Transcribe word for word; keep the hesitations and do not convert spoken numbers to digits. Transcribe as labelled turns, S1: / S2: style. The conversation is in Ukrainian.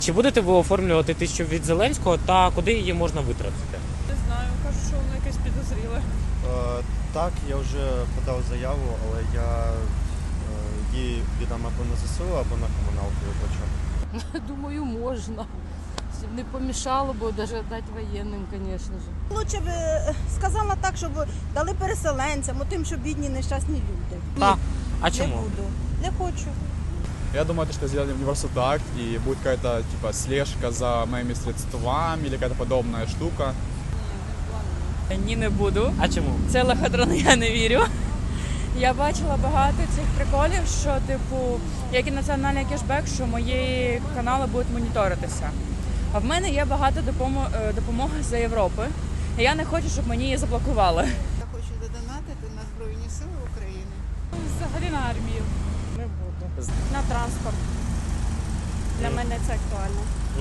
S1: Чи будете ви оформлювати тисячу від Зеленського та куди її можна витратити?
S2: Не знаю, кажуть, що воно якесь підозріле.
S3: Е, так, я вже подав заяву, але я е, її віддам або на ЗСУ, або на комуналку виплачу.
S4: Думаю, можна. Щоб не помішало, бо навіть дати воєнним, звісно ж.
S5: Лучше б е, сказала так, щоб дали переселенцям, тим, що бідні нещасні люди.
S1: Та. А
S5: Не
S1: чому?
S5: буду. Не хочу.
S6: Я думаю, то, что сделали университет акт, и будет какая-то типа слежка за моими средствами или какая-то подобная штука.
S2: Ні, не буду.
S1: А чому?
S2: Це лохотрон, я не вірю. Я бачила багато цих приколів, що, типу, як і національний кешбек, що мої канали будуть моніторитися. А в мене є багато допомо- допомоги з Європи. І я не хочу, щоб мені її заблокували.
S7: Я хочу додонатити на Збройні Сили України.
S2: Взагалі на армію.
S4: Не буду.
S2: На транспорт. Для мене це актуально.